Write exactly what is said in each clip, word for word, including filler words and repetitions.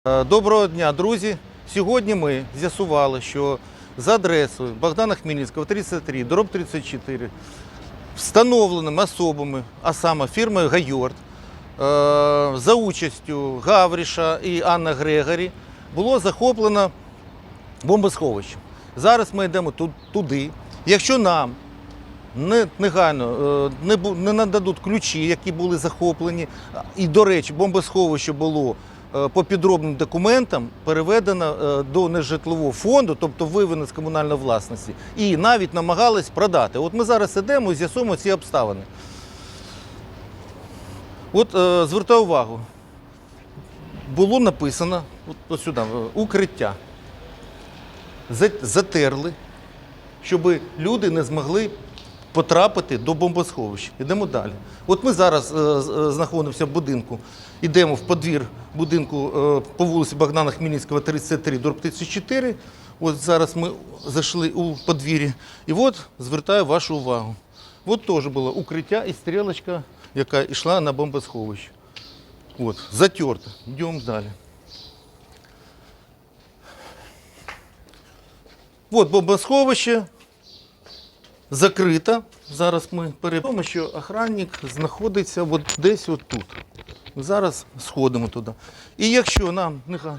Доброго дня, друзі! Сьогодні ми з'ясували, що за адресою Богдана Хмельницького, тридцять три, дроб тридцять чотири, встановленими особами, а саме фірмою «Гайорт», за участю Гавріша і Анни Грегорі, було захоплено бомбосховище. Зараз ми йдемо туди. Якщо нам негайно не нададуть ключі, які були захоплені, і, до речі, бомбосховище було по підробним документам переведено до нежитлового фонду, тобто виведено з комунальної власності, і навіть намагались продати. От ми зараз йдемо і з'ясуємо ці обставини. От звертаю увагу, було написано, от, от сюди, укриття. Затерли, щоб люди не змогли потрапити до бомбосховища. Йдемо далі. От ми зараз е, знаходимося в будинку, йдемо в подвір будинку е, по вулиці Богдана Хмельницького, тридцять три, дроб тридцять чотири. От зараз ми зайшли у подвір'я. І от звертаю вашу увагу. От теж було укриття і стрілочка, яка йшла на бомбосховище. От, затерта. Йдемо далі. От бомбосховище. Закрита. Зараз ми перейдемо, що охранник знаходиться от десь от тут. Зараз сходимо туди. І якщо нам нехай.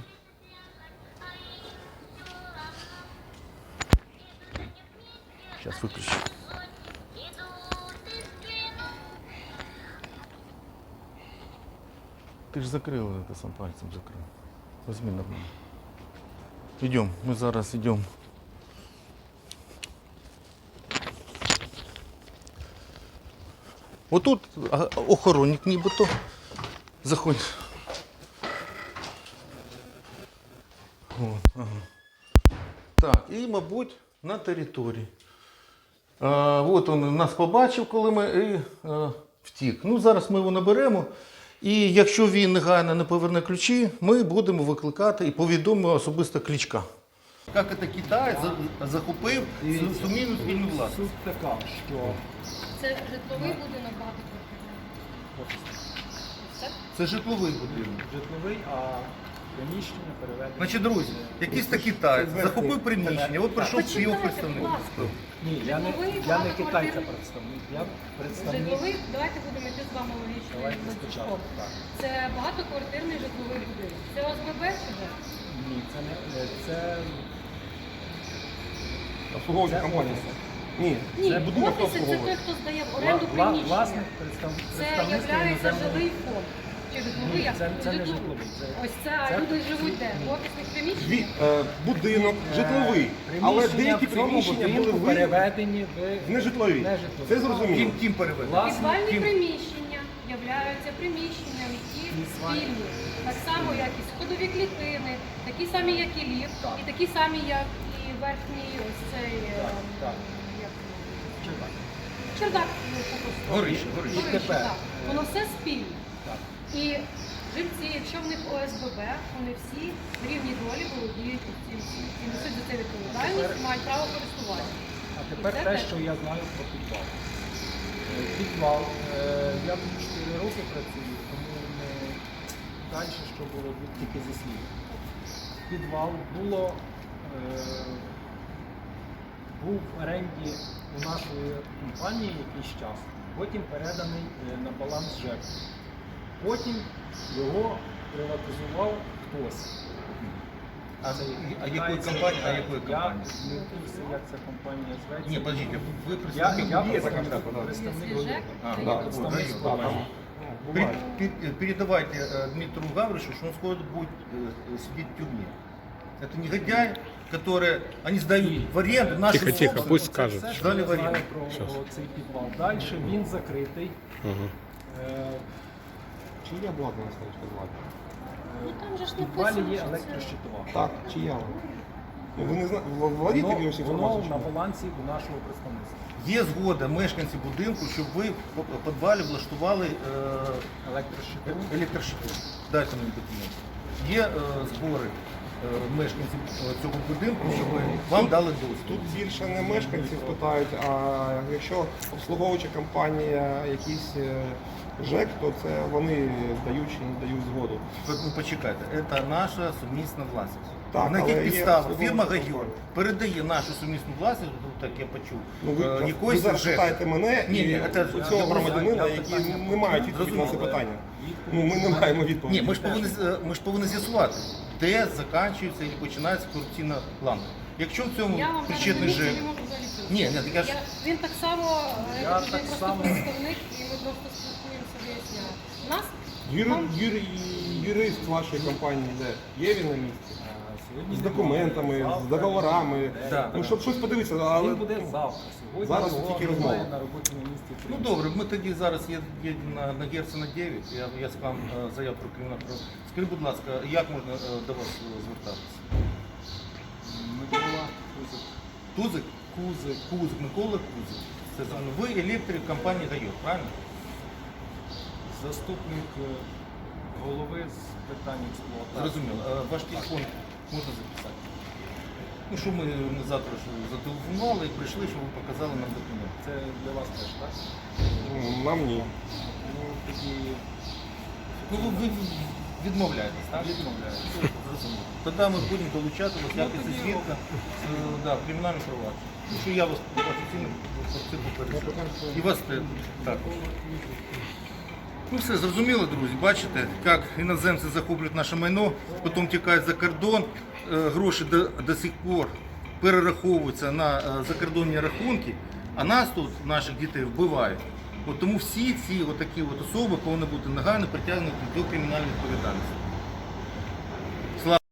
Зараз виключу. Ти ж закрив, це сам пальцем закрив. Возьми на мене. Йдемо, ми зараз йдемо. Отут охоронник нібито. Заходь. О, ага. Так, і, мабуть, на території. А, от він нас побачив, коли ми і а, втік. Ну, зараз ми його наберемо. І якщо він негайно не поверне ключі, ми будемо викликати і повідомимо особисто Кличка. Як це Китай захопив сумнівну спільну власність? Суть така, що це житловий будинок багатоквартирний. Це житловий будинок. житловий, а приміщення переведено. Значить, друзі, якийсь такий китаєць захопив приміщення, от прийшов його представник. Ні, я не, Житловий, я не багатоквартирний. китайця представник, я представник. Житловий, давайте будемо йти з вами логічно. Давайте ланцюжком. спочатку, так. Це багатоквартирний житловий будинок. Це ОСББ чи де? Ні, це не це. Обслуговуюча Це компанія. офіси. Ні, Ні, це будинок офіси це той, обслуговує. хто здає в оренду Вла- приміщення. Власник представ- Це представництво є іноземного. жилий фонд. Чи житловий, Ні, як це- це не житловий. житловий, це- Ось це, а це- люди живуть де? В офісних Дві- приміщеннях? е, Будинок житловий, але деякі в цьому приміщення були будинку ви- переведені в в нежитлові. нежитлові. Це зрозуміло. Ким, ким переведено? Власник, Підвальні ким- приміщення являються приміщенням, які спільні. Так само, як і сходові клітини, такі самі, як і ліфт, Так. і такі самі, як і верхній ось цей Так, ем, так. як Чи так? чердак. ну, попросту. Горище, горище. Горище, Тепер. так. Воно все спільне. Так. І живці, якщо в них ОСББ, вони всі в рівній долі володіють цим всім. І несуть за це відповідальність, і мають право користування. А тепер Це те, те. що я знаю про підвал. Е, Підвал. е, Я тут чотири роки працюю, тому не далі, що було тільки зі слів. Підвал було, е, був в оренді у нашої компанії якийсь час, потім переданий е, на баланс ЖЕК. Потім його приватизував хтось. А, Це а якої китайці. компанії? А якої компанії? Я не в курсі, як ця компанія зветься. Ні, подождіть, ви Я, представник. я Є така представник, штука, да. представник Якщо ЖЕК, А, то да, є вот, представник да, компанії. Пер- Буває. пер- Передавайте э, Дмитру Гавришу, что он скоро будет э, сидеть в тюрьме. Это негодяй, которые они сдают в аренду наши Тихо, тихо, пусть скажет. Це, що Далі я знаю варіант. про, Щас. про цей підвал. Далі він закритий. Ага. Е, Чи є обладнання ставочка звати? Ну там же ж В підвалі написано, є що це... електрощитова. Так, чи є? Ну, ви не знаєте, владієте Воно, якоюсь воно інформацією? на балансі у нашого представництва. Є згода мешканців будинку, щоб ви в підвалі влаштували е, Електрощитову. електрощиту. Дайте мені документ. Є е, збори е, мешканців е, цього будинку, щоб вам дали доступ. Тут більше не мешканців питають, а якщо обслуговуюча компанія якісь е, ЖЕК, то це вони дають чи не дають згоду. Ви ну, почекайте, це наша сумісна власність. Так, На але яких є підставах судове фірма розслідування. Гайор передає нашу сумісну власність, ну, так я почув, Ну, ви, е, ви якоїсь зараз ЖЕКу. питаєте мене Ні, і ні, це- у цього я- громадянина, я які питання не мають відповіді на це Зрозуміло. питання. Ну, ми не маємо відповіді. Ні, ми ж повинні з- ми ж повинні з'ясувати, де закінчується і починається корупційна ланка. Якщо в цьому Я вам зараз причетний не ЖЕК. можу взагалі цього. Ні, ні, так я ж- Він так само, Я я так просто само. представник, і ми просто спілкуємося, виясняємо. У нас Юри, там- юри, юрист вашої компанії де? Є він на місці? Сьогодні З немає. документами, з Завтра договорами. буде. Да. Ну, щоб щось подивитися, але Він буде завтра. Сьогодні Зараз його тільки немає розмова. на роботі на місці. Ну добре, ми тоді зараз є, є на, на Герцена дев'ять, я, я склав е, заяву про кримінальну право. Скажіть, будь ласка, як можна е, до вас е, звертатися? Микола Кузик. Тузик? Кузик. Кузик, Микола Кузик. Це зрозуміло. Ви електрик компанії Гайор, правильно? Заступник е, голови з питань експлуатації. Зрозуміло. Е, Ваш телефон можна записати? Ну, що ми не завтра ж зателефонували і прийшли, щоб ви показали нам документ. Це для вас теж, так? м, нам ні. Ну, тоді Ну, ви, ви відмовляєтесь, так? відмовляюся. Зрозуміло. Тоді ми будемо долучати вас як тоді свідка е, да, в кримінальну провадження. Ну, що я вас офіційно про це попереджу. І вас те- так. Ну все, зрозуміло, друзі. Бачите, як іноземці захоплюють наше майно, потім тікають за кордон, е, гроші до, до сих пор перераховуються на е, закордонні рахунки, а нас тут, наших дітей, вбивають. От тому всі ці отакі от особи повинні бути негайно притягнуті до кримінальної відповідальності.